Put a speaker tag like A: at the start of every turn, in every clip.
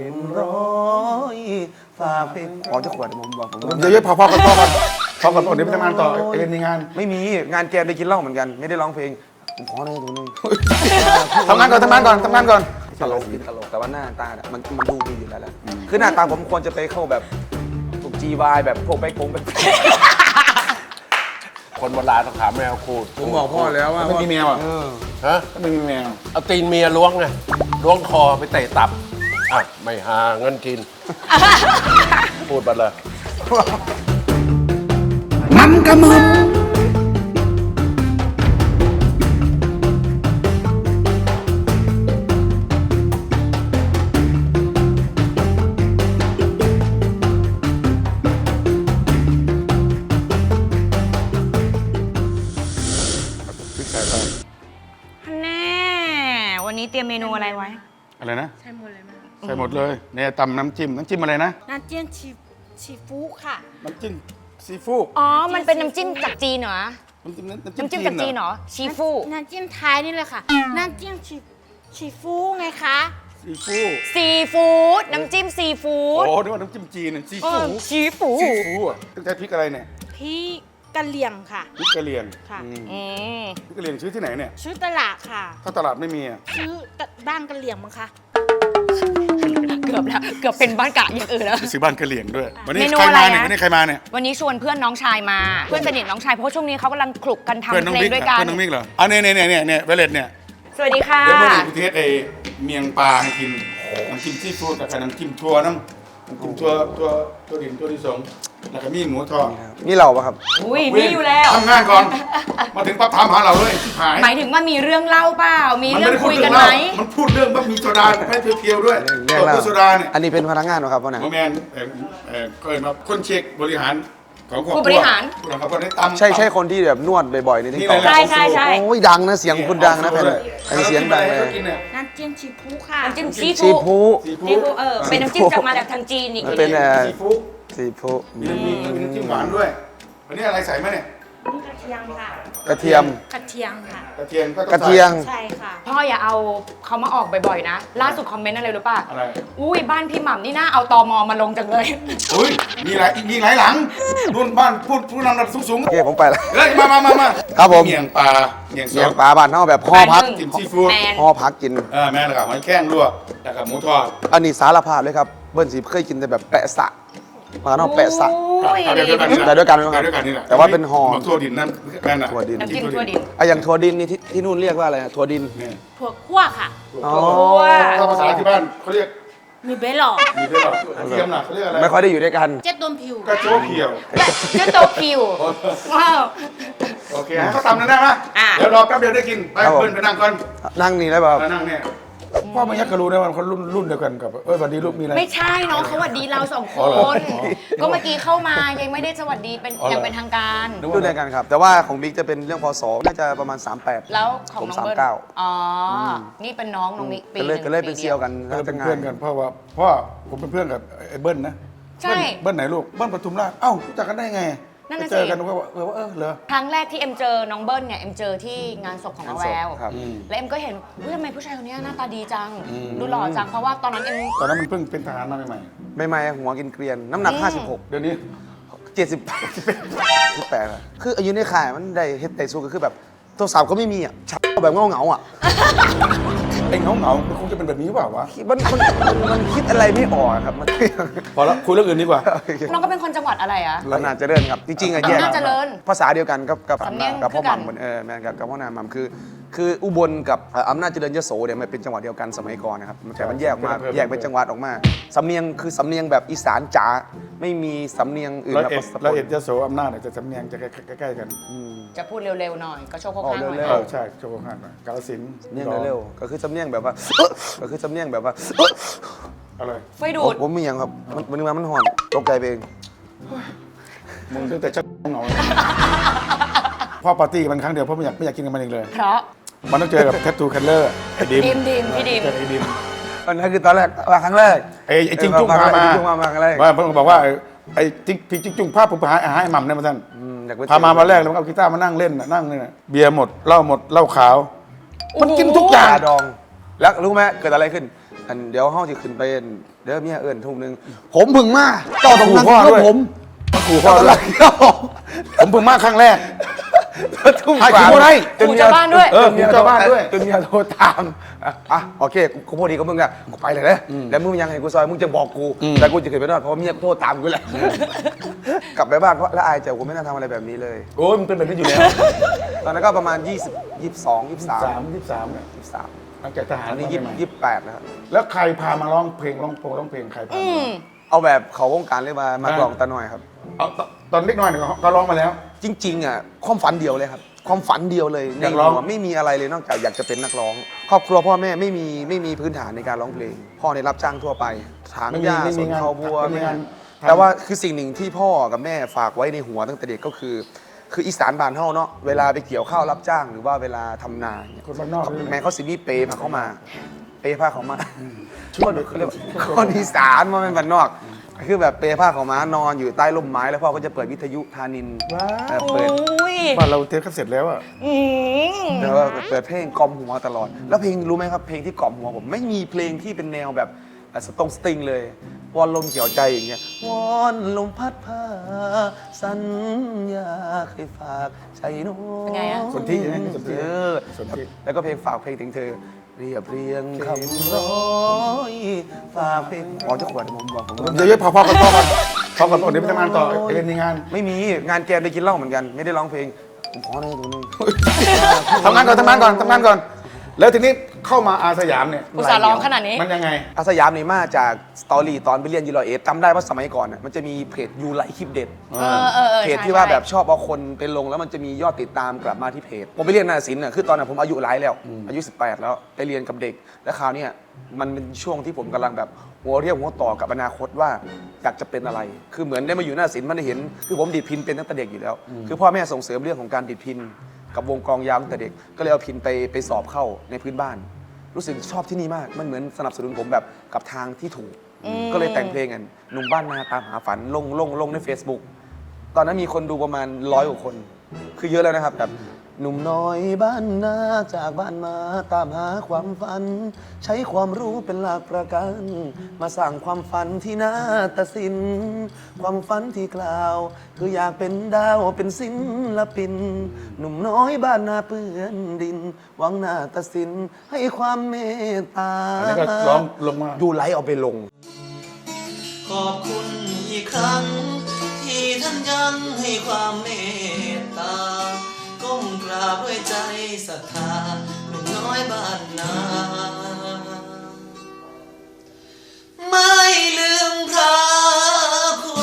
A: ร้อยฝากเพลงขอจะขวดผมบอกผม
B: เดี๋ยวพอก่อนพอก่อนเดี๋ยวไปทำงานต่อเอ็นมีงาน
A: ไม่มีงานแกได้กินเหล้าเหมือนกันไม่ได้ร้องเพลงผมขอหน่อยตัวนึง
B: ทำงานก่อน
A: ตลกแต่ว่าหน้าตามันดูดีอยู่แล้วแหละคือหน้าตาผมควรจะไปเข้าแบบถูกGYแบบพวกไปกง
C: คนโบราณต้องถามแมวขูด
B: ผมบอกพ่อแล้วว่าไม่มีแมวอ่ะ
C: ฮะ
B: ไม่มีแมว
C: เอาตีนเมียล้วงไงล้วงคอไปเตะตับอ่ะไม่หาเงินกิน พูดไปเลย
B: มันกระมึง
D: แน่วันนี้เตรียมเมนูอะไรไว้
B: อะไรนะ
E: ใช่หมดเลยไหมคะ
B: ใส่หมดเลยเนี่ยตำน้ำจิ้มอะไรนะ
E: น้ำเจี้ยนชีฟูค่ะ
B: น้ำจิ้มซีฟู้ด
D: อ๋อ มันเป็นน้ำจิ้มจากจีนเหรอ
B: น้ำจิ้ม
D: น้ำจิ้มจากจีนเหรอ ชีฟู
E: น้ำเจี้ยนไทยนี่เลยค่ะ น้ำเจี้ยนชีฟูไงคะ
B: ซีฟู้ด
D: ซีฟู้ด น้ำจิ้มซีฟู้ด
B: โอ้นึกว่าน้ำจิ้มจีนซีฟู้ด
D: ชีฟู
B: ซีฟู้ดอ่ะตั้งแต่พริกอะไรเนี่ย
E: พี่กะเหลี่ยงค่ะ
B: พริกกะเหรี่ยง
E: ค่ะ
D: อืม
B: พริกกะเหรี่ยงซื้อที่ไหนเนี่ย
E: ชื่อตลาดค่ะ
B: ถ้าตลาดไม่มีอ่ะ
E: ชื่อบ้านกะเหลี่ยงมั้งคะ
D: เกือบแล้ว เกือบเป็นบ้านกะอย่างอื่นแล้ว
B: ซื้อบ้านกะเหรี่ยงด้วยวันนี้
D: เมนู
B: ใคร
D: อะไร
B: มาเนี่ย
D: นะ
B: วันนี้ใครมาเนี่ย
D: วันนี้ชวนเพื่อนน้องชายมา เพื่อนสนิทน้องชาย เพราะว่าช่วงนี้เขากำลังคลุกกันทำ
B: เพื่อนน้อง
D: เพลง
B: มิก
D: ด้วยกัน
B: เพื่อนน้องมิกเหรออ่ะเนี่ยเวเลตเนี่ย
D: สวัสดีค่ะ
B: เดี๋ยวเมื่อไหร่กูเทสไอ้เมียงปลาให้กินน้ำจิ้มซีฟู้ดกับน้ำจิ้มทัวน้ำจิ้มตัวดินตัวที่สองแล้วก็มีหมูทอด
A: นี่เราปะครับ
D: อุ้ยมีอยู่แล้ว
B: ทำงานก่อน มาถึงปั๊บถามหาเราเลยชิบหาย
D: หมายถึงว่ามีเรื่องเล่าเปล่า มี
B: มัน
D: เรื่อ
B: ไม่
D: ง
B: ได้พู
D: คุ
B: ด
D: ย
B: เรื่
D: กั
B: อน ง
D: ไหม
B: เรามันพูดเรื่องว่ามีโซดาให้เพียวๆด้วย
A: เรื่อง
B: ตัว
A: เล่า
B: โซดาเนี่ย
A: อันนี้เป็นพนักงานเหรอครับพ่อหนัง
B: โมแมนก็เห็นว่าคนเช็คบริหารของครอบครัว
D: ผู้บริหาร
B: ผู้บริหารคนได้ตำ
A: ใช่คนที่แบบนวดบ่อยๆในทิก
B: นี่
A: ตอก
B: เลยนะ
D: ใช่ใช่
A: โอ้ยดังนะเสียงคุณดังนะแพนอันนี้เสียงดังเลย
B: กินเนี่ย
E: น้ำเจี้ยนชีฟูค่ะ
D: น้ำจิ้มซี
A: ซี
D: ฟู้ด
A: ฟู
D: ซีฟู้ดเป็นน้ำจิ้มจากมาจากทางจีนอีก
A: มันเป็น
B: ซีฟู้ด
A: ซีฟู
B: มีน้ำจิ้มหวานด้วยวันนี้อะไรใส่ไหมเนี่ย
E: นี่กระเทียมค่ะ
A: กระเทียม
E: กระเทียมค่ะ
B: กระเทียมก็ต้อง
A: กระเทียม
E: ใช่ค่ะ
D: พ่ออย่าเอาเขามาออกบ่อยๆนะ ล่าสุดคอมเมนต์อะไรรู้ป่ะ
B: อะไร
D: อุ้ยบ้านพี่หม่ำนี่น่าเอาตมมาลงจังเลย
B: อุ้ยมีหลายหลังรุ่นบ้านผู้นำระดับสูง
A: โอเคผมไปแล้ว
B: เฮ้ยมา
A: ครับผม
B: เมี่ยงปลาเมี่ยง
A: เสียง
B: ส
A: ปลาบ้านเท่าแบบห่อพัก
B: จิ้มซีฟู้ด
D: แมน
A: ห่อพักกิน
B: แม่แล้วก็หอยแข้งลวกแล้วก็หมูทอด
A: อันนี้สารภาพเลยครับเบิ้ลสีเคยกินแต่แบบแปะสะมาเนาะแปะสะ
D: อุ้ย
B: เอาเดี๋ยวกันนี่แหละ
A: แต่ด้วยกันไหมครับ
B: แต่ด้วยกันนี่แหละ
A: แต่ว่าเป็นห่อ
B: ถั่วดินนั่นน่ะ
A: ถั่วดิน
D: น้ำจิ้มทั่วดิน
A: ไอะอย่างถั่วดินนี่ที่นู่นเรียกว่าอะไรนะถั่วดิน
B: นี่
E: ถั่วคั่วค่ะ
A: อ๋อ
B: ถ้าภาษาที่บ้านเขาเรียก
E: มีเบลหล่อ
B: มีด้วยหรอกระเทียมน่ะเขาเรียกอะไร
A: ไม่ค่อยได้อยู่ด้วยกัน
E: เจ็ดต้มผิว
B: กระโจกเขียว
D: เจ้าโตคิวว้าว
B: โอเคให้เขาทำนั่นได้ไหม
D: อ่ะ
B: เดี๋ยวรอแป๊บเดียวได้กินไป
A: ครับผม
B: เปิ้ลไปนั่งก่อน
A: นั่งนี่ได้เปล่าครับ
B: นั่งเนี่ยพ่อมันยักษ์ก็รู้นะว่าคนรุ่นเดียวกันกับสวัสดีลูกมีอะไร
D: ไม่ใช่น้องเขาสวัสดีเราสองค
B: อ๋อเหรอ
D: น ก็เมื่อกี้เข้ามายังไม่ได้สวัสดีเป็น
B: อ๋อเหรอ
D: อย่างเป็นทางการ
A: รุ่นเดียวกันครับ แต่ว่าของบิ๊กจะเป็นเรื่องพศน่าจะประมาณ 38
D: แล้วของ
A: ผม
D: น้องเบิ้ล
A: 39
D: อ๋ออนี่เป็นน้องน้องมิกปี
A: ก็เลยเป็นเซียวกัน
B: ก็เลยเป็น
A: ทำงา
B: เพื่อนกันเพราะว่าผมเป็นเพื่อนกับไอ้เบิ้ลนะ
D: ใช่
B: เบิ้ลไหนลูกเบิ้ลปทุมราชเอ้ารู้จักกันได้ไง
D: นั่น
B: ไป
D: น่ะ
B: เจอ
D: สิ
B: กันก็ว่าเหรอ
D: ครั้งแรกที่เอ็มเจอน้องเบิ้ลเนี่ยเอ็มเจอที่งานศพของน้าแวว
A: ครับ
D: แล้วเอ็มก็เห็นว่าทำไมผู้ชายคนนี้หน้าตาดีจัง ดูหล่อจัง เพราะว่าตอนนั้นเอ็ม
B: ตอนนั้นมันเพิ่งเป็นทหารมาใหม่
A: ไม่หัวกินเกรียน น้ำหนัก
B: ๆเดี๋ยวนี้
A: 56 18อะคืออายุในข่ายมันได้เฮ็ดไต่สู้ก็คือแบบโทรศัพท์ก็ไม่มีอ่ะชักแบบเงาอ่ะ
B: ไอ้เหงาๆมันคงจะเป็นแบบนี้หรือเปล่าวะ
A: มันคิดอะไรไม่ออกอะครับมัน
B: พอแล้วคุยเรื่องอื่นดีกว่า
D: น้องก็เป็นคนจังหวัดอะไรอะ
A: อำนาจเจริญครับ จริงๆอะแยก
D: อำนาจเจริญ
A: ภาษาเดียวกันกับ
D: สำเนียง
A: พ่อ
D: คือกัน
A: หม่ำเหมือนแม่นกับพ่อนามหม่ำคืออุบลกับอำนาจเจริญยโสเนี่ยมันเป็นจังหวัดเดียวกันสมัยก่อนนะครับแต่มันแยกออกมา
B: เพิ่ม
A: แยกเป็นจังหวัดออกมาสำเนียงคือสำเนียงแบบอีสานจ๋าไม่มีสำเนียงอื่น
B: ร้อย
A: แบบ
B: เอ็ด
A: สะก
B: ร้อย
A: ด
B: เอ็ดยโสอำนาจเนี่ยจะสำเนียงจะใกล้ๆกัน
D: จะพูดเร็วๆหน่อย ก็โชคข้างๆหน่อย
A: เร็ว
B: ใช่โชว์ข้างหน่อยกาฬสินธุ์
A: สำเนียงเร็วๆก็คือสำเนียงแบบว่า ก็คือสำเนียงแบบว่า
B: อะไร
D: ไฟดูด
A: ผมมีอย่างครับมันมามันห่อนตกใจไปเอง
B: มึงตั้งแต่ชักเหงาพ่อปาร์ตี้มันครั้งเดียวเพราะไม่อยากกินกับมันอีกเลย
D: เพราะ
B: มันต้องเจอกับแท t ทูคัลเลอร์ไอ้ดิม
D: ดิมพี่ดิม
B: เจอไอ้ดิม
A: อันนั้นคือตอนแรกมาครั้งแรก
B: ไอ้จิ้งจุ้งพามา
A: จิ้งจุ้งมาครั้งแรก
B: ว่าเพิ่งบอกว่าไอ้จิ้งจุ้งพาผมไปหาให้หม่ำเนี่ยมาท่าน
A: อยากไป
B: พามาวันแรกแล้วมันเอากีตาร์มานั่งเล่นน่ะนั่งเนี่ยเบียร์หมดเหล้าขาว มันกินทุกอย่าง
A: ยาดอง แล้วรู้ไหมเกิดอะไรขึ้นอันเดี๋ยวห้องจะขึ้นไปเดี๋ยวเมียเอิญทุ่มหนึงผมพึ่งมาเจ้าต้องนั่งกับผม
B: ขู่พ่อด้วยผมเพิ่งมาครั้งแรก
A: ทุ่ม
B: ให้
A: กว่า
B: ขู่บ่ได้
D: ขู่ชาวบ้านด้วย
B: ขู่ชาวบ้านด้วย
A: จนเมียโทรตามโอเคกูพอดีกับมึงอะกูไปเลยนะแล้วมึงยังไงกูซอยมึงจะบอกกูแต่กูจะขึ้นไปนอนเพราะเมียกูโทรตามกูแหละกลับไปบ้านเพราะแล้วอายใจกูไม่น่าทำอะไรแบบนี้เลย
B: โอ้ยมันเป็นแบบนี้อยู่แล้ว
A: ตอนนั้นก็ประมาณ20 22 23
B: 23เนี่ย
A: 23
B: หลังจากทหาร
A: อันนี้
B: มาใหม่
A: 28แล้วครับ
B: แล้วใครพามาร้องเพลงร้องเพลงใครพามา
A: เอาแบบเขาวงการเลยมากลองตาหน่อยครับ
B: เอาตอนเล็กน้อยเนี่ยก็ร้องมาแล้ว
A: จริงๆอ่ะความฝันเดียวเลยครับความฝันเดียวเลยใน
B: อยากร้อง
A: หัวไม่มีอะไรเลยนอกจากอยากจะเป็นนักร้อง ครอบครัวพ่อแม่ไม่มีพื้นฐานในการร้องเพลง พ่อในยรับจ้างทั่วไปถางหญ้าสวนเขาบัว
B: ไม่มีงาน
A: แต่ว่าคือสิ่งหนึ่งที่พ่อกับแม่ฝากไว้ในหัวตั้งแต่เด็กก็คืออีสานบ้านเฮาเนาะเวลาไปเกี่ยวข้าวรับจ้าง หรือว่าเวลาทำนาเนี่ย
B: คนบ้านนอกเลย
A: แม่เขาสิมีเปพาเขามาเปพาเขามาช่วยเขาเรียกว่าคนอีสานมาเป็นบ้านนอก คือแบบเปผ้าของม้านอนอยู่ใต้ร่มไม้แล้วพ่อก็จะเปิดวิทยุธานินเปิด
B: บ้านเราเทปก็เสร็จแล้วอะ
A: แล้วก็เปิดเพลงกล่อมหัวตลอด แล้วเพลงรู้ไหมครับเพลงที่กล่อมหัวผมไม่มีเพลงที่เป็นแนวแบบสตริงเลยวอนลมเกี่ยวใจอย่างเงี้ยวอนลมพัดพาสัญญาเคยฝากใจโน้
D: เป็นไงอะ
B: สนธิใช่ไหมสนธิ สนธิ
A: แล้วก็เพลงฝากเพลงถึงเธอเรียบเรียงคำร้อยฝากเพลงอ๋อเจ้าขวดผมบอกผม
B: เยอะๆพอกันเดี๋ยวไปทำงานต่อเรียนในงาน
A: ไม่มีงานแกมได้กินเหล้าเหมือนกัน ไม่ได้ร้องเพลงผมขอเลยตรงนี้
B: ทำงานก่อน แล้วทีนี้เข้ามาอาสยามเนี่ย
D: อุตส่าห์ร้องขนาดนี้
B: มันยังไง
A: อาสยามนี่มาจากสตอรี่ตอนไปเรียนยูโรเอสจำได้ว่าสมัยก่อนน่ะมันจะมีเพจยูไลคลิปเด็ด เพจที่ว่าแบบชอบเอาคนไปลงแล้วมันจะมียอดติดตามกลับมาที่เพจ ผมไปเรียนนาฏศิลป์น่ะคือตอนนั้นผมอายุหลายแล้ว อายุ 18 แล้วไปเรียนกับเด็ก แล้วคราวเนี้ยมันเป็นช่วงที่ผมกำลังแบบหัวเรียวหัวต่อกับอนาคตว่าอยากจะเป็นอะไร คือเหมือนได้มาอยู่นาฏศิลป์มันได้เห็นคือผมดีดพินเป็นตั้งแต่เด็กอยู่แล้ว คือพ่อแม่ส่งเสริมเรื่องของการดีดพินกับวงกลองยาวตั้งแต่เด็ก ก็เลยเอาพินไปสอบเข้าในพื้นบ้าน รู้สึกชอบที่นี่มาก มันเหมือนสนับสนุนผมแบบกับทางที่ถูก ก็เลยแต่งเพลงกันหนุ่มบ้านนาตามหาฝันลงใน Facebook ตอนนั้นมีคนดูประมาณ100 กว่าคน คือเยอะแล้วนะครับแบบหนุ่มน้อยบ้านนาจากบ้านมาตามหาความฝัน ใช้ความรู้เป็นหลักประกัน มาสร้างความฝันที่นาฏศิลป์ความฝันที่กล่าว คืออยากเป็นดาวเป็นศิลปิน หนุ่มน้อยบ้านนาเปื้อนดิน หวังนาฏศิลป์ให้ความเมตตา
B: อันนี้ก็ร้องลงมา
A: ดูไลฟ์เอาไปลง
F: ขอบคุณอีกครั้ง ที่ท่านยังให้ความเมตตา ก้มกราบด้วยใจศรัทธาหนุ่มน้อยบ้านนา ไม่ลืมพระคุณ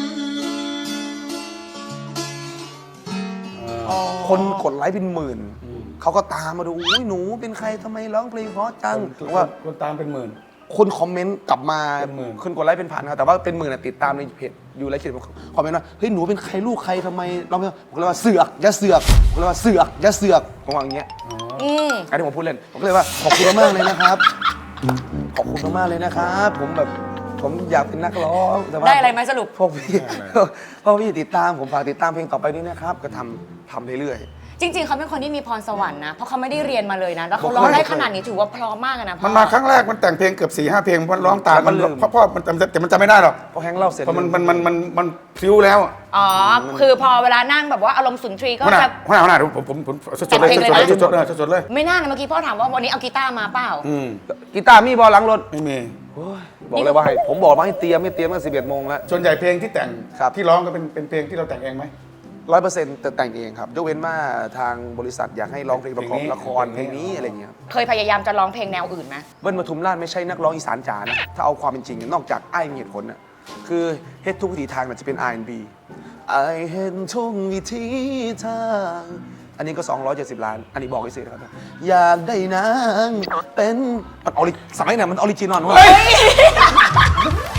A: คนกดไลค์เป็นหมื่น เขาก็ตามมาดูอุ้ยหนูเป็นใครทำไมร้องเพลงเพราะจังผมว่า
B: คนตามเป็นหมื่น
A: คนคอมเมนต์กลับมา
B: เป็นหมื่น
A: คนกดไลค์เป็นพันครับแต่ว่าเป็นหมื่นอะติดตามในเพจอยู่ไลค์เขียนคอมเมนต์ว่าเฮ้ยหนูเป็นใครลูกใครทำไมเราไม่ผมก็เลยว่าเสือกอย่าเสือกผมเลยว่าเสือกอย่าเสือกผมว่าอย่างเงี้ยอันนี้ผมพูดเล่นผมก็เลยว่าขอบคุณมากเลยนะครับขอบคุณมากเลยนะครับผมอยากเป็นนักร้องแต่ว่า
D: ได้อะไรไหมสรุป
A: พวกพี่ติดตามผมฝากติดตามเพลงต่อไปด้วยนะครับก็ทำเรื่อยๆ
D: จริง ๆ เขาเป็นคนที่มีพรสวรรค์นะ เพราะเขาไม่ได้เรียนมาเลยนะ แล้วเขาร้องได้ขนาดนี้ถือว่าเพราะมากอะนะพ่อ
B: มันมาครั้งแรกมันแต่งเพลงเกือบ4-5 เพลงมันร้องตาม
A: แล้วมั
B: มัน น
A: ลืม
B: เพราะมันแต่มันจำไม่ได้หรอก
A: พอแฮงค์เล่าเสร็จ
B: เพราะมันพลิ้วแล้ว
D: อ๋อ คือพอเวลานั่งแบบว่าอารมณ์สุนทรีก็
B: หัวหน้า
D: จะ
B: ผมสดๆเลย
D: แต่งเพลงเลยนะ
B: สดๆเลย
D: ไม่น่านะเมื่อกี้พ่อถามว่าวันนี้เอากีตาร์มาเปล่า
A: กีตาร์มีบอลหลังรถ
B: ไม่มี
A: บอกเลยว่าให้ผมบอกว่าให้เตรียมตั้งแต่11 โมงแล้ว
B: ส่วนใหญ่เพลงที่แต่ง
A: ครับ
B: ที่ร้องก็เป็นเพลงที่เราแต่งเองไหม
A: 100%แต่งเองครับยกเว้นว่าทางบริษัทอยากให้ร้องเพลงประกอบละครเพลงนี้อะไรอย่างเงี้ยครับ
D: เคยพยายามจะร้องเพลงแนวอื่นไหม
A: เบิ้ลปทุมราชไม่ใช่นักร้องอีสานจ๋านะถ้าเอาความเป็นจริงนอกจากไอ้มีเหตุผลน่ะคือเฮ็ดทุกวิถีทางมันจะเป็น R&B ไอ้เห็นทุกวิถีทางอันนี้ก็270 ล้านอันนี้บอกให้เสียนะครับอยากได้นางเป็นมันสมัยไหนมันออริจินอลวะ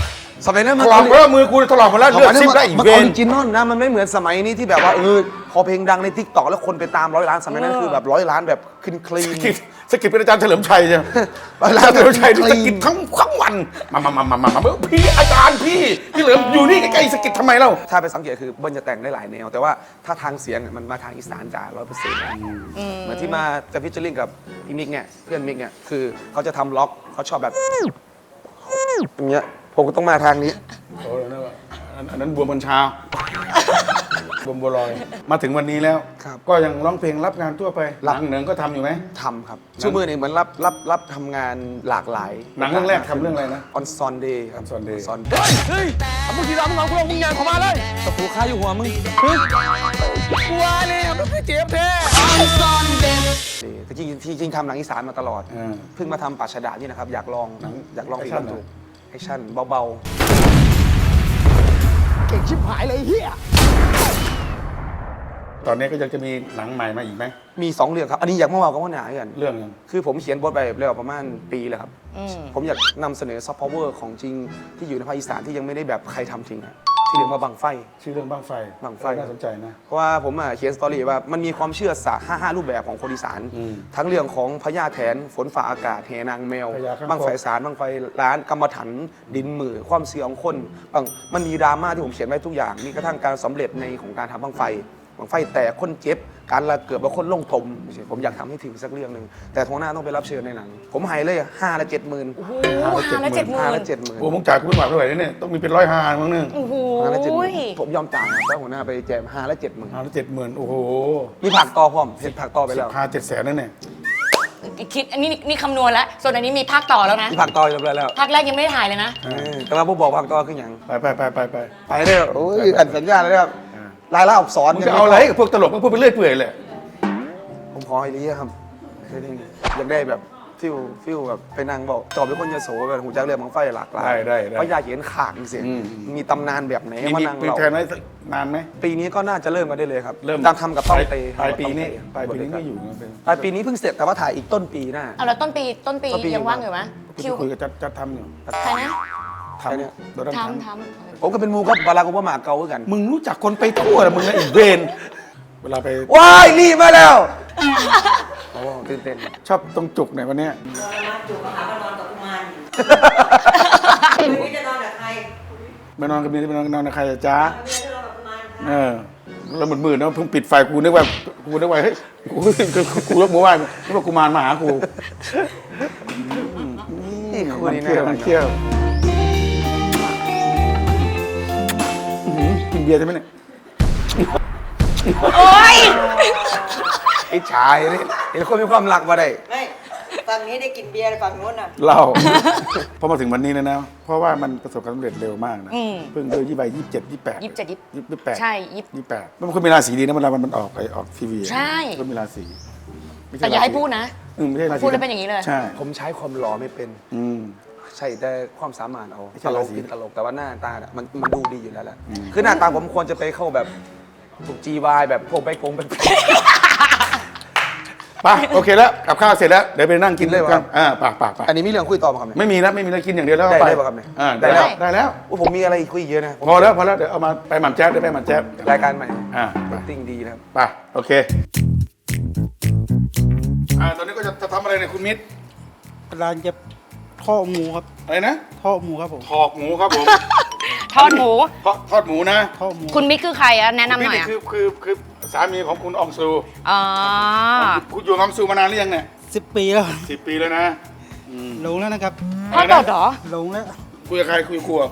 A: สมัยนั้น
B: ถ
A: มัน
B: ลอกแล้วมือกูถลอกหมดแล้วเลือดซิบได้อีก
A: มัน
B: เว
A: ออน ริจินอลนะมันไม่เหมือนสมัยนี้ที่แบบว่าพอเพลงดังในทิกตอกแล้วคนไปตาม100 ล้านสมัยนั้นคือแบบ100 ล้านแบบคลีน
B: สกิดเป็นอาจารย์เฉลิมชัยใช่ไหม
A: 100 ล้า
B: อาน จารย์เฉลิมชัยสกิดทั้งวันมาพี่อาจารย์พี่เหลิมอยู่นี่ใกล้ๆสกิดทำไมเล่า
A: ถ้าไปสังเกตคือเบิ้ลจะแต่งได้หลายแนว แต่ว่าถ้าทางเสียงมันมาทางอีสานจ๋า100%เหมือนที่มาจะพิจาริงกับพี่มิกเนี่ยเพื่อนมิกเนี่ยคือเขาจะทำล็อกเขาชอบแบบอย่างเงี้ยผมก็ต้องมาทางนี้
B: โอ้นั่นว่าอันนั้นบัวบนเช้าบัวบัวลอยมาถึงวันนี้แล้ว
A: ครับ
B: ก็ยังร้องเพลงรับงานทั่วไปหลังเหนึ่งก็ทำอยู่ไหม
A: ทำครับชั่วโมงนี้เหมือนรับทำงานหลากหลาย
B: หนังเรื่องแรกทำเรื่องอะไรนะ
A: ออนซอนเดย์ครับ
B: On Sunday
A: ซอน
C: เฮ้ยมึงทีเรามึงเอากูลงมึงยางเข้ามาเลย
A: ตะปูค่าอยู่หัวมึง
C: กลัวเลยมันคือเจ็บแท้
A: แต่จริงทำหนังอีสานมาตลอด เพิ่งมาทำป่าชะดานี่นะครับ อยากลองอีกรอบดูแอคชั่นเบา
C: เก่งชิบหายเลยเฮีย
B: ตอนนี้ก็ยังจะมีหนังใหม่มาอีกไหม
A: ๆ มี 2 เรื่องครับ อันนี้อยากมาว่ากับว่าหนากัน
B: เรื่องยัง
A: คือผมเขียนบทไปแล้วประมาณปีแล้วครับ ผมอยากนำเสนอซอฟต์พาวเวอร์ของจริงที่อยู่ในภาคอีสานที่ยังไม่ได้แบบใครทำจริงอะที่เรียกว่าบังไฟ
B: ชื่อเรื่องบ้างไฟ
A: บั้งไฟ
B: น่าสนใจนะ
A: เพราะว่าผมเขียนสตอรี่ว่ามันมีความเชื่อ5 รูปแบบของคนอีสาน ทั้งเรื่องของพญาแถนฝนฝ่าอากาศแหนางแมว
B: พญาข้างคก
A: บังไฟสารบังไฟล้านกรรมฐานดินมือความเสื่อของคนมันมีดราม่าที่ผมเขียนไว้ทุกอย่างมีกระทั่งการสำเร็จในของการทำบังไฟแต่คนเจ็บการละเกิดว่าคนลงทมผมอยากทำให้ถึงสักเรื่องหนึ่งแต่ทวงหน้าต้องไปรับเชิญในหนังผมให้เลย5 ละ 70,000
D: โอ้โห5 ละ
A: 5 ละ
D: 70,000
A: 70,000
B: โอ้มึงจ่ายกูไม่ไหวเท่าไหร่เนี่ยต้องมีเป็น150,000มั้งนึง
D: โอ้โห
A: 5 ละ 70,000ผมยอมจ่ายครับเพราะหัวหน้าไปแจม5 ละ 70,000
B: 570,000โอ้โห
A: มีผักต่อพร้อมเห็นผักต่อไปแล้ว
B: 700,000นั่นเนี่ย
D: คิดอันนี้นี่คำนวณแล้ว ส่วนอันนี้มีภาคต่อแล้วนะ
A: มีผักต่อเรียบร้อยแล้ว
D: ภาคแรกยังไม่ได้ถ่ายเลยนะ
A: แต่ว่าผู้บอกภาคต่อคืออย่าง
B: ไป
A: ไปเด้อโอ้ยอันสัญญาเลยครับรายละอักษร
B: มึงจะเอาอะไรกับพวกตลกมึงพูดไปเรื่อยเปื่อยเลย
A: ผมขอให้เรียครับอยากได้แบบฟิลแบบไปนั่งบอกจอบเป็นคนยโสแบบหูจักเรื่องบังไฟหลากหลาย
B: ได้
A: เพราะอยากเห็นขากเสียงมีตำนานแบบไหนมา
B: มี
A: นั่ง
B: ปี
A: เรา
B: แทนไว้นานไหม
A: ปีนี้ก็น่าจะเริ่มกันได้เลยครับ
B: เริ่ม
A: ตามทำกับต้องเต
B: ปลายปีนี้ไม่อยู่นะเป็น
A: ปลายปีนี้เพิ่งเสร็จแต่ว่าถ่ายอีกต้นปีหน้า
D: เอาแล้วต้นปียังว่างอยู่ไหม
B: พี่
D: คิว
B: คุยกับจัดทำอยู่
D: ใครนะ
B: ทำเนี่ยเราต้องท
D: ท
A: ผมก็เป็นมูครับบารากุบามาเกาเหมือนกัน
B: ำมึงรู้จักคนไปทั่วเหรอมึงนะอีกเวน เวลาไป
A: ว้ายรีบมาแล้วโอ้ตื่นเต้น
B: ชอบตรงจุกไหนวันเนี้ย
G: มาจูบมาหาว่านอนกับกุมารอยู่ไม่รู้จะนอนกับใคร
B: ไปนอนกับเมียไปนอนกับใครอะจ๊ะ
G: ไม่รู้จะนอนกับกุมารค่ะ
B: แล้วมืดๆนะเพิ่งปิดไฟกูนึกว่าเฮ้ยกูยกมือไหว้นึกว่ากูมารมาหากู
A: นี่คือ
B: มัน
A: นี่
B: เที่ยว
A: นะ
B: มันเที่ยวกินเบียร์ใช่ไหมเนี่ย
D: โอ๊ย
A: ไอ้ชายนี่เห็นคนมีความรักมาได้
G: ไม่ฝั่งนี้ได้กินเบียร์ฝั่งโน้นน่ะ
B: เล่า พอมาถึงวันนี้แล้วนะ เพราะว่ามันประสบความสำเร็จเร็วมากนะ เพิ่งเดือน27 28
D: 27 ใช่
B: 28มันคนมีราศีดีนะเวลามันออกทีวี
D: ใช่
B: ก็มีราศีไม่
D: แต่
B: ช่
D: อย่าให้พูดนะ
B: ไม่ใช่ราศี
D: พูดแล้วเป็นอย่างนี้เลย
B: ใช่
A: ผมใช้ความหล่อไม่เป็น ใช่แต่ความสามารถเอา
B: ไม่ใช่
A: ตล
B: ราก ศี
A: กินตลกแต่ว่าหน้าตาน่ะมันดูดีอยู่แล้วแหละคือหน้าตาผมควรจะไปเข้าแบบถูก GY แบบพวกไปโกงไป
B: ไปโอเคแล้วกับข้าวเสร็จแล้วเดี๋ยวไปนั่งกิน
A: เลยเหรอ
B: กันไป
A: อันนี้มีเรื่องคุยต่อมาครับเนี่ย
B: ไม่มีแล้วกินอย่างเดียวแล้ว
A: ได้
B: ไป
A: ได้ป่ะครับเนี่ย
B: ได้แล้ว
A: ได้
B: ได้แล้ว
A: โอ้ผมมีอะไรคุยเยอะนะ
B: พอแล้วเดี๋ยวเอามาไปหม่ำแจ๊บได้ไปหม่ำแจ๊บ
A: รายการใหม่
B: ไป
A: ติ้งดีนะครับ
B: ไปโอเคตอนนี้ก็จะทำอะไรเนี่ยคุณมิตร
H: ร้านจะทอดหมูครับ
B: อะไรนะ
H: ทอดหมูครับผม
B: ถอกหมูครับผม
D: ทอดหมู
B: ทอดหมูนะ
H: ทอดหมู
D: คุณมิกคือใครอะแนะนำหน่อย
B: นี่
D: อะ
B: คือสามีของคุณอองซู
D: อ๋อ
B: คุณอยู่กับอองซูมานานหรือยังเนี่ย
H: 10 ปีแล้ว
B: 10 ปีแล้วนะ
H: ลงแล้วนะครับ
D: พ่อตอดเหรอ
H: ลงแล้ว
B: คุยกับใครคุยกับครัว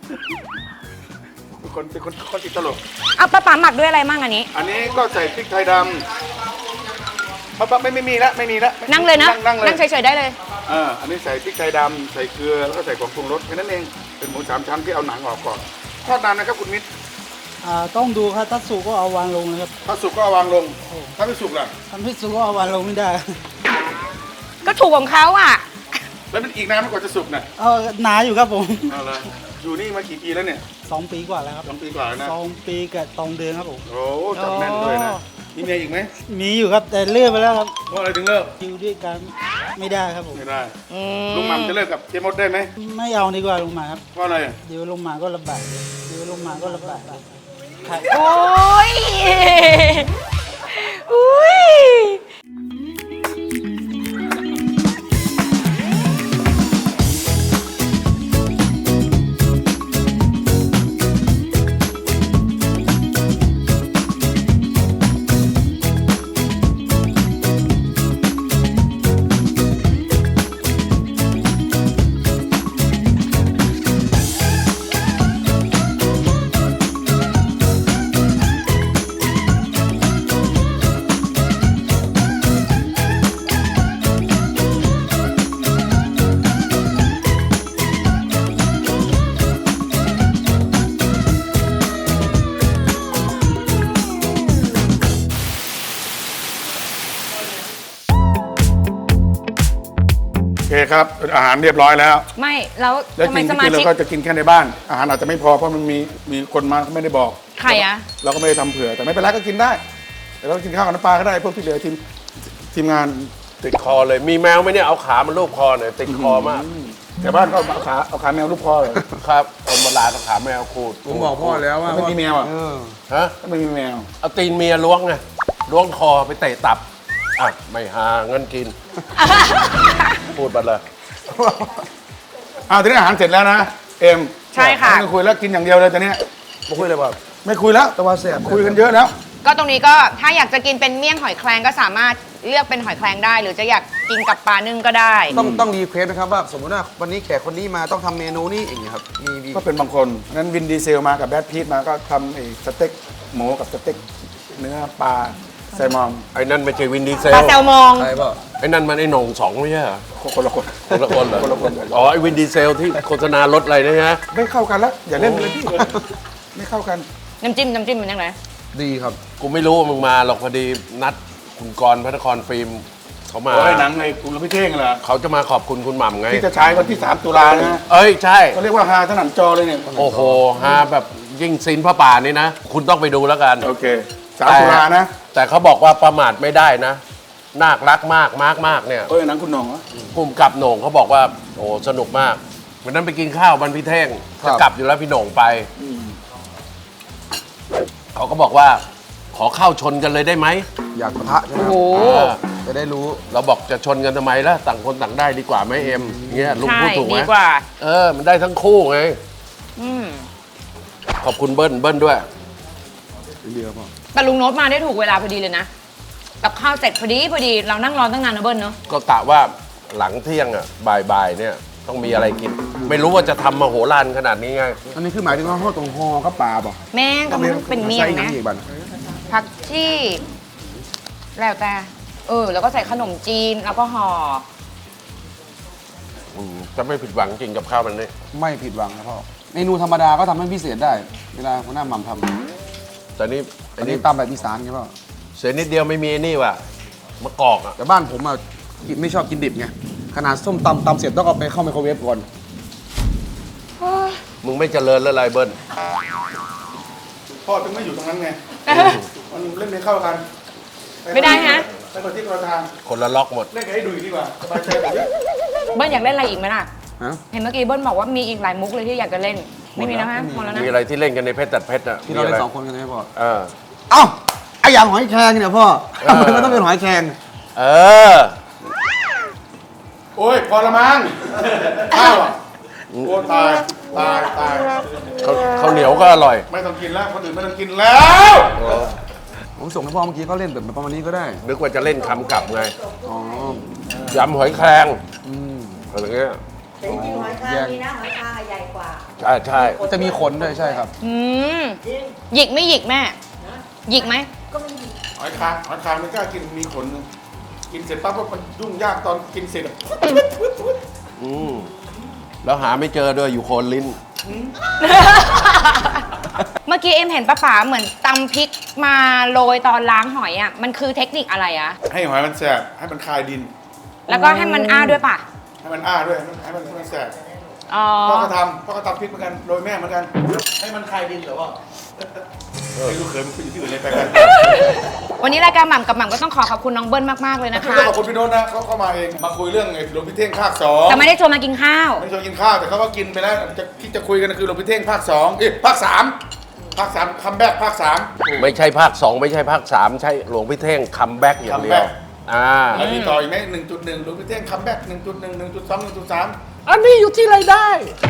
B: เป็นคนติดตลก
D: เอาปลาป๋าหมักด้วยอะไรมั่งอันนี้
B: อันนี้ก็ใส่พริกไทยดำปั๊บไม่มีแล้วไม่มีแล้ว
D: นั่งเลยนะ
B: นั่งเลย
D: นั่งเฉยๆได้เลย
B: อันนี้ใส่พริกไทยดำใส่เกลือแล้วก็ใส่ของปรุงรสแค่นั้นเองเป็นหมู3 ชั้นที่เอาหนังออกก่อนทอดนานนะครับคุณมิตร
H: ต้องดูครับถ้าสุกก็เอาวางลงนะครับ
B: ถ้าสุกก็เอาวางลง ถ้าไม่สุกล่ะ
H: ถ้าไม่สุกก็เอาวางลงไม่ได้
D: ก็ถูกของเขาอ่ะ
B: แล้วมันอีกนานไหมกว่าจะสุกเนี่ย
H: หนาอยู่ครับผม
B: เอาละอยู่นี่มากี่ปีแล้วเนี่ย
H: 2 ปีกว่าแล้วครับ
B: 2 ปีกว่าแล้วนะ
H: 2 ปีกับ2 เดือนครับผม
B: โอ้จับแน่นด้วยนะมีเมียอีกไหม
H: มีอยู่ครับแต่เลิกไปแล้วครับ
B: เพราะอะไรถึงเลิก
H: อยู่ด้วยกันไม่ได้ครับผม
B: ไม่ได้ลุงหม่ำจะเลิกกับเจมดได้ไหม
H: ไม่เอาดีกว่าลุงหมาครับ
B: เพราะอะไร
H: เดี๋ยวลุงหมาก็ลำบากเดี๋ยวลุงหมาก็ลำบากครับ
D: โอ้ยอุ้ย
B: โอเคครับอาหารเรียบร้อยแล้ว
D: ไม่แล้ว
B: แล้ว
D: ทำ
B: จ
D: ไม
B: ริง
D: ส
B: ๆ
D: มา
B: เรา
D: ชิก
B: ก็จะกินแค่ในบ้าน อาหารอาจจะไม่พอเพราะมันมีคนมาเขาไม่ได้บอก
D: ใครอะ
B: เราก็ไม่ได้ทำเผื่อแต่ไม่เป็นไรก็กินได้แต่เรากินข้าวกับน้ำปลาก็ได้พวกที่เหลือทีมงาน
C: ติดคอเลยมีแมวไหมเนี่ยเอาขามันลูบคอหน่อยติดคอมาก
B: แต่บ้านก็เอาขาแมวลูกคอเลย
C: ครับคนโบราณเอาขาแมวขูด
A: ผมบอกพ่อแล้วว่า
B: ไม่มีแมวอ่ะ
C: ฮะ
B: ไม่มีแมว
C: เอาตีนเมียล้วงไงล้วงคอไปเตะตับอ่ะไม่หาเงินกิน พูดไปเลย
B: ทีนี้อาหารเสร็จแล้วนะเอ็ม
D: ใช่ค่ะ
B: ไม่คุยแล้วกินอย่างเดียวเลยตอนนี้
A: มาคุยเลยป่ะ
B: ไม่คุยแล้ว
A: แต่ว่าแซ่บ
B: คุยกันเยอะแล้ว
D: ก็ตรงนี้ก็ถ้าอยากจะกินเป็นเมี่ยงหอยแครงก็สามารถเลือกเป็นหอยแครงได้ หรือจะอยากกินกับปลานึ่งก็ได้
A: ต้องรีเควสนะครับว่าสมมติว่าวันนี้แขกคนนี้มาต้องทำเมนูนี้อย่างเงี้ยครับมี
B: ก็เป็นบางคนนั้นวินดีเซลมากับแบทพีทมาก็ทำไอ้สเต็กหมูกับสเต็กเนื้อปลาแซลมอน
C: ไอ้นั่นไม่ใช่วินดีเซ
D: ปลา
C: ล
D: แซลมอง
A: อะไรเปล่า
C: ไอ้นั่นมันไอ้โหน่งสองไม่ใช่เหรอ
B: คนละคน
C: คนละคนเหรอ
B: คนละคน
C: อ๋อไอ้วินดีเซลที่โฆษณารถอะไรนะฮะ
B: ไม่เข้ากันแล้วอย่าเล่นเลยพี่ไม่เข้ากัน
D: น้ำจิ้มเป็นยังไง
A: ดีครับ
C: กูไม่รู้ว่ามึงมาหรอกพอดีนัดคุณกรณ์พระนครฟิล์มเขามา
B: โอ้ยหนังไงคุณพี่เท่งเหรอ
C: เขาจะมาขอบคุณคุณหม่ำไง
B: ที่จะฉายวันที่ 3 ตุลานะ
C: เอ้ยใช่
B: เขาเรียกว่าฮาถนันจอเลยเนี่ย
C: โอ้โหฮาแบบยิ่งซินพระป่านี่นะ คุณต้องไปดูแล้วกัน
B: โอเค3 ตุลานะ
C: แต่เขาบอกว่าประมาทไม่ได้นะนาครักมากมากเนี่ย
B: เอ้ยหนังคุณหน่องเหรอ
C: ภูมิกับโหน่งเขาบอกว่าโอ้สนุกมากวันนั้นไปกินข้าวบันพี่เท่ง
A: ครับ
C: จะกลับอยู่แล้วพี่โหน่งไปเขาก็บอกว่าขอเข้าชนกันเลยได้ไหม
A: อยากปะทะใช่ไหม
D: โอ้
A: ค
D: โห
A: รับจะได้รู้
C: เราบอกจะชนกันทำไมล่ะต่างคนต่างได้ดีกว่าไหมเอ็มเงี้ยลุง
D: ใช่
C: พูดถูกไหม
D: ดีกว่า
C: มันได้ทั้งคู่ไง
D: อืม
C: ขอบคุณเบิ้ลด้วย
D: แต่ลุงโน้ตมาได้ถูกเวลาพอดีเลยนะกับข้าวเสร็จพอดีเรานั่งรอตั้งนานนะเบิ้ลเนาะ
C: ก็กะว่าหลังเที่ยงอ่ะบ่ายๆเนี่ยต้องมีอะไรกิน ไม่รู้ว่าจะทำมโหฬารขนาดนี้ไง
A: อันนี้คือหมายถึงว่าห่อตรงห่อก็ปลาป่ะ
D: แม่งก็มันเป็นเมี่ยง
A: ใส่
D: นะ
A: อีกบัน
D: ผักชีแล้วแต่แล้วก็ใส่ขนมจีนแล้วก็ห่อ
C: จะไม่ผิดหวังจริงกับข้าวมันนี่
A: ไม่ผิดหวังนะพ่อเมนูธรรมดาก็ทำให้พิเศษได้ เวลาหัวหน้าหม่ำทำ
C: แต่นี่
A: อั
C: อั
A: น
C: น
A: นี้
C: นี้
A: ตามแบบอีสานไงพ่อ
C: เสียนิดเดียวไม่มีไอ้นี่ว่ะมะกอกอ่ะ
A: แต่บ้านผมอ่ะไม่ชอบกินดิบไงขนาดส้มตำเสร็จต้องเอาไปเข้าไมโครเวฟก่อน
C: มึงไม่เจริญแล้วไรเบิ้ล
B: พ่อถึงไม่อยู่ตรงนั้นไงมันเล่นไม่เข้ากัน
D: ไม่ได้ฮะ
B: ไปคนที่คนละทาง
C: คนละล็อกหมด
B: เล่นกับไอ้ดุยดีกว่าสบายใจกว่าเยอะ
D: เบิ้ลอยากเล่นอะไรอีกไหมล่ะ
A: ฮะ
D: เห็นเมื่อกี้เบิ้ลบอกว่ามีอีกหลายมุกเลยที่อยากจะเล่น ไม่มีแล้วฮะหมดแล้วนะ
C: มีอะไรที่เล่นกันในเพชรตัดเพชรอ่ะ
A: ที่เราเล่
C: มีะ
A: น
C: ไ
A: สองคนกันใช่ไหมพ่อ
C: เออ
A: เอ้าไออย่างหอยแครงเนี่ยพ่อทำไมมันต้องเป็นหอยแครง
C: เออ
B: โอ้ยพอละมั้งข้าวอ่ะโอ้ตายตาย
C: ข้าวเหนียวก็อร่อย
B: ไม่ต้องกินแล้วคนอื่นไม่ต้องกินแล้ว
A: ผมส่งให้พ่อเมื่อกี้เขาเล่นแบบประมาณนี้ก็ได้
C: นึกว่าจะเล่นคำกลับไง
A: อ๋อ
C: ยำหอยแครงอะไรเงี้ย
G: แต่จริงๆหอยคางมีนะหอยคางอะใหญ่กว่า
C: ใช่ใช่
A: จะมีขนด้วยใช่ครับ
D: หยิกไม่หยิกแม่ หยิกไหม
B: หอยคางไม่กล้ากินมีขนนึงกินเสร็จปั๊บก็มันยุ่งยากตอนกินเสร็จอะ
C: อืมแล้วหาไม่เจอด้วยอยู่โคนลิ้น
D: เมื่อกี้เอ็มเห็นป้าป๋าเหมือนตำพริกมาโรยตอนล้างหอยอ่ะ มันคือเทคนิคอะไรอะ
B: ให้หอยมันแสบให้มันคายดิน
D: แล้วก็ให้มันอ้าด้วยป่ะ
B: ให้มันอ้าด้วยให้มันแสบ
D: อ๋อ
B: พ่อก็ทำพริกเหมือนกันโรยแม่เหมือนกันให้มันคายดินเหรอวะไม่รู้เคยมันคุยอยู่ที่อื่นเลยไปกัน
D: วันนี้รายการหม่ำกับหม่ำก็ต้องขอบคุณน้องเบิ้ลมากๆเลยนะคะ
B: ขอบคุณพี่โน้ตนะเขาเข้ามาเองมาคุยเรื่องไอ้หลวงพี่เท่งภาค 2
D: แต่ไม่ได้ชวนมากินข้าว
B: ไม่ชวนกินข้าวแต่เขาก็กินไปแล้วที่จะคุยกันคือหลวงพี่เท่งภาค 2ภาค 3ภาค 3คัมแบ็กภาค 3
C: ไม่ใช่ภาค 2 ไม่ใช่ภาค 3 ใช่หลวงพี่เท่งคัมแบ็กอย่างเดียว
B: แล้วมีต่ออีกไหม1.1หลวงพี่เท่งคัมแบ็ก1.1 1.2 1.3
C: อันนี้อยู่ที่ไรได้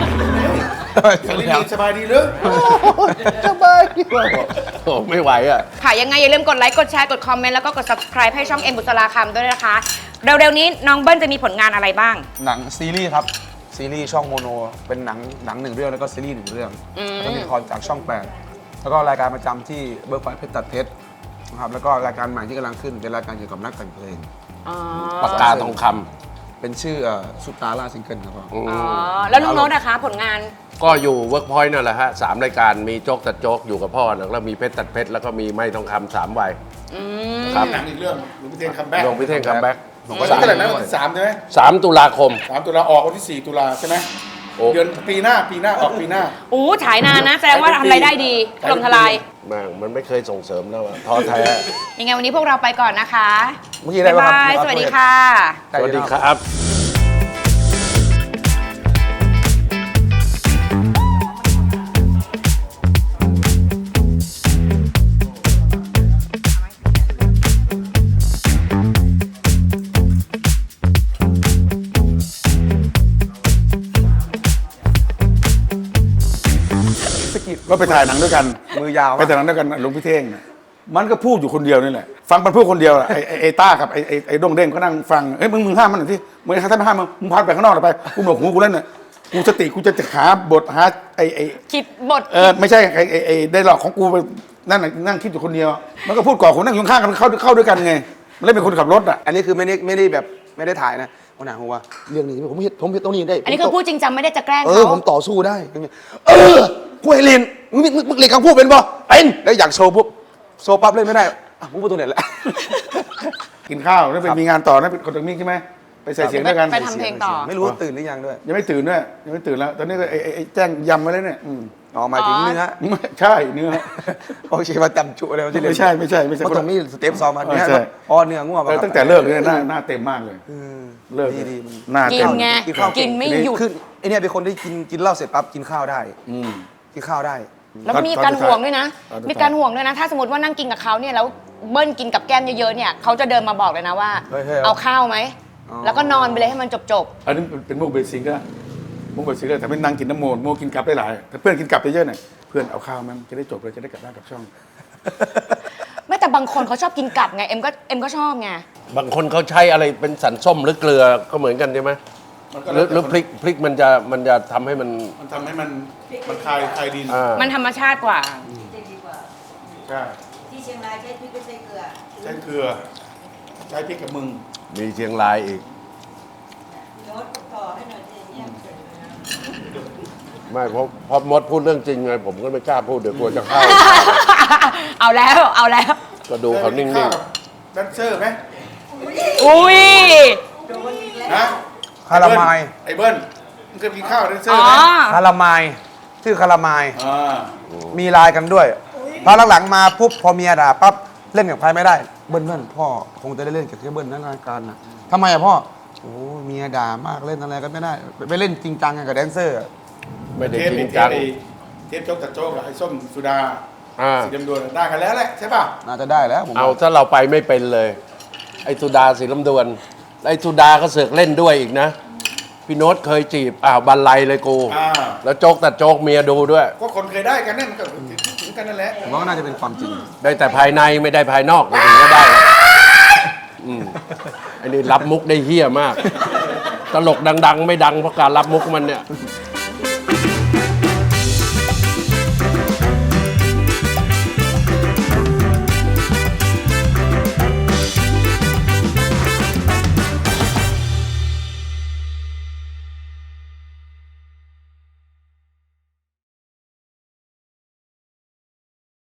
B: สบายดีหรือ
C: สบายดีกว่าโอ้ไม่ไหวอ่ะ
D: ค่ะยังไงอย่าลืมกดไลค์กดแชร์กดคอมเมนต์แล้วก็กด subscribe ให้ช่องเอ็มบุษราคำด้วยนะคะเร็วๆนี้น้องเบิ้ลจะมีผลงานอะไรบ้าง
A: หนังซีรีส์ครับซีรีส์ช่องโมโนเป็นหนัง1 เรื่องแล้วก็ซีรีส์1 เรื่องแล้วก็มีละครจากช่อง 8 แล้วก็รายการประจำที่เบิร์กไฟเพชรตัดเพชรนะครับแล้วก็รายการใหม่ที่กำลังขึ้นเป็นรายการเกี่ยวกับนักแต่งเพลง
C: ปากกาทองค
A: เป็นชื่อซุปตาล่าซิงเกิลครับผม
C: ำ
D: อ๋อ แล้วน้องโน้ตนะคะผลงาน
C: ก็อยู่เวิร์กพอยต์นั่นแหละฮะ3 รายการมีโจ๊กตัดโจ๊กอยู่กับพ่อนะแล้วมีเพชรตัดเพชรแล้วก็มีไม้ทองคำ3 วัย ครับ
B: หนังอีกเรื่องหลวงพี่เท่งคัมแบ็ก
C: หลวงพี่เท่งคัมแบ็ก
B: วันที่เท่าไหร่นะวันที่3ใช่ไหม
C: 3 ตุลาคม
B: 3 ตุลาออกวันที่ 4 ตุลาใช่ไหม
C: โอ้
B: เดือนปีหน้าออกปีหน้า
D: อู้ฉายนานนะ แสดงว่าทำรายได้ดีถล่มทลาย
C: แม่งมันไม่เคยส่งเสริมแล้วอะท้อแท้
D: ยังไงวันนี้พวกเราไปก่อนนะคะ
A: เมื่อกี้ได้
D: บ๊าย
A: ปะครับ
D: บาย สวัสดีค่ะ
C: สวัสดีครับ
B: ก็ไปถ่ายหนังด้วยกัน
A: มือยาว
B: ไปถ่ายหนังด้วยกันหลวงพี่เท่งน่ะมันก็พูดอยู่คนเดียวนี่แหละฟังมันพูดคนเดียวอะไอ้ต้ากับไอ้ดงเด้งก็นั่งฟังเฮ้ยมึงห้ามมันหน่อยที่มึงถ้าไม่ห้ามมึงพาไปข้างนอกหน่อยไปกูหนวกหูกูเล่นน่ะกูสติกูจะหาบทหาไอ้
D: คิดบท
B: ไม่ใช่ไอ้ได้หลอกของกูไปนั่นน่ะนั่งคิดอยู่คนเดียว มันก็พูดก่อนคนนั่งอยู่ข้างกันเข้าด้วยกันไงมันเลยเป็นคนขับรถอ่ะ
A: อันนี้คือไม่ได้แบบไม่ได้ถ่ายนะวันไหนผมว่าเรื่องนี้ผมเห็นตรงนี้ได้
D: อันนี้คือพูดจริงจังไม่ได้จะแกล้ง
A: ผม
D: เขา
A: ต่อสู้ได้กูให้เรียนมึงเรียนคำพูดเป็นป่ะเป็นแล้วอยากโชว์ปุ๊บโชว์ปั๊บเล่นไม่ได้มึงพูดตรงไหนแหละ
B: กินข้าวแล้วไปมีงานต่อนะเป็นคนตรงนี้ใช่ไหมไปใส่เสียงด้วยกัน
D: ไปทำเพลงต่อ
A: ไม่รู้ว่าตื่นหรือยังด้วย
B: ยังไม่ตื่นด้วยยังไม่ตื่นแล้ว ตอนนี้ก็ไอ้แจ้งยำมาแล้วเนี่ย
A: อ๋อหมายถึงเนื้อ
B: ไม่ใช่เนื้อ
A: โอเคมาจำจุอะไรวะที่เรียน
B: ไม่ใช่เพ
A: เพราะตรงนี้สเต็ปซ้อมมาเนี่ย
B: ใช่
A: อ๋อเนื้อง่วง
B: ตั้งแต่เลิกเนี่ยหน้าเต็มมากเลยเลิก
A: ดี
B: หน้า
D: กิ
B: เต็
D: น
B: ม
D: ไง กินไม่หยุด
A: คือไอเนี่ยเป็นคนที่กินเหล้าเสร็จปั๊บกินข้าวได้
B: อืม
A: กินข้าวได้
D: แล้วก็มีการห่วงด้วยนะ
B: ตอนสุดท้าย
D: มีการห่วงด้วยนะ ถ้าสมมติว่านั่งกินกับเขาเนี่ยแล้วเบิ้ลกินกับแก้มเยอะๆเนี่ยเขาจะเดินมาบอกเลยนะว่า
A: เฮ้ยๆ
D: เอาข้าวไหม
A: อ๋อ
D: แล้วก็นอนไปเลยให้มันจบ
B: อันนี้เป็นมุกเบสิกก็มุกเบสิกก็แต่ไม่นั่งกินน้ำโมโมกินกลับได้หลายถ้าเพื่อนกินกลับเยอะๆหน่อยเพื่อนเอาข้าวมันจะได้จบเลยจะได้กลับบ้านกลับช่อง
D: ๆ ไม่แต่บางคนเขาชอบกินกัดไง เอ็มก็ชอบไง
C: บางคนเขาใช้อะไรเป็นสันส้มหรือเกลือก็เหมือนกันใช่ไหมหรือพริกมันจะทำให้มัน
B: มันทำให้มันคลายดิน
D: มันธรรมชาติกว่า
G: จะดีกว่า
B: ใช่
G: ที่เชียงรายใช้พริกไม่ใช่เกลือ
B: ใช้เกลือใช้พริกกับมึง
C: มีเชียงรายอีก
G: โน้ตต่อให้หน่อยสิเนี่ยเสร็จแล้ว
C: ไม่เพราะมดพูดเรื่องจริงไงผมก็ไม่กล้าพูดเดี๋ยวกลัวจะเข้า
D: เอาแล้ว
C: ก็ดูเขานิ่ง
B: แดนเซอร์ไหม
D: อุ้ย
B: ฮะ
A: คารามาย
B: ไอ้เบิ้ลมึงเคยกินข้าวแดนเซอ
D: อ๋
B: ร์
D: อ
B: ไหม
A: คารามายชื่อคารามาย
B: อ่า
A: มีไลน์กันด้วยพอหลังๆมาปุ๊บพอเมียด่าปั๊บเล่นกับใครไม่ได้เบิ้ลพ่อคงจะได้เล่นกับแค่เบิ้ลนั่นรายการนะทำไมอะพ่อโอ้เมียด่ามากเล่นอะไรก็ไม่ได้ไปเล่นจริงจังกับแดนเซอร์อะ
C: ๆ ไม่ได้
B: เทป
C: จริ
B: เป็
C: ง
B: นเท
C: จั
B: ป
C: ง
B: เทปโจ๊กตัดโจ๊กกับไอ้ส้มสุดา
C: อ่า
B: สีดำดวนได้กันแล้วแหละใช่ป่ะ
A: น่าจะได้แล้วผม
C: เอาถ้าเราไปไม่เป็นเลย ไอ้สุดาสีลำดวนไอ้สุดาก็เสือกเล่นด้วยอีกนะ พี่โน้ตเคยจีบบันไลเลยกู แล้วโจ๊กตัดโจ๊กเมียดูด้วย
B: ก็คนเคยได้กันนั่นมันก็ถึงกันนั่นแหละ
A: ผมว่าน่าจะเป็นความจริง
C: ได้แต่ภายในไม่ได้ภายนอกถึงก็ได้อันนี้รับมุกได้เฮี้ยมาก ตลกดัง ๆ ไม่ดังเพราะการรับมุกมันเนี่ย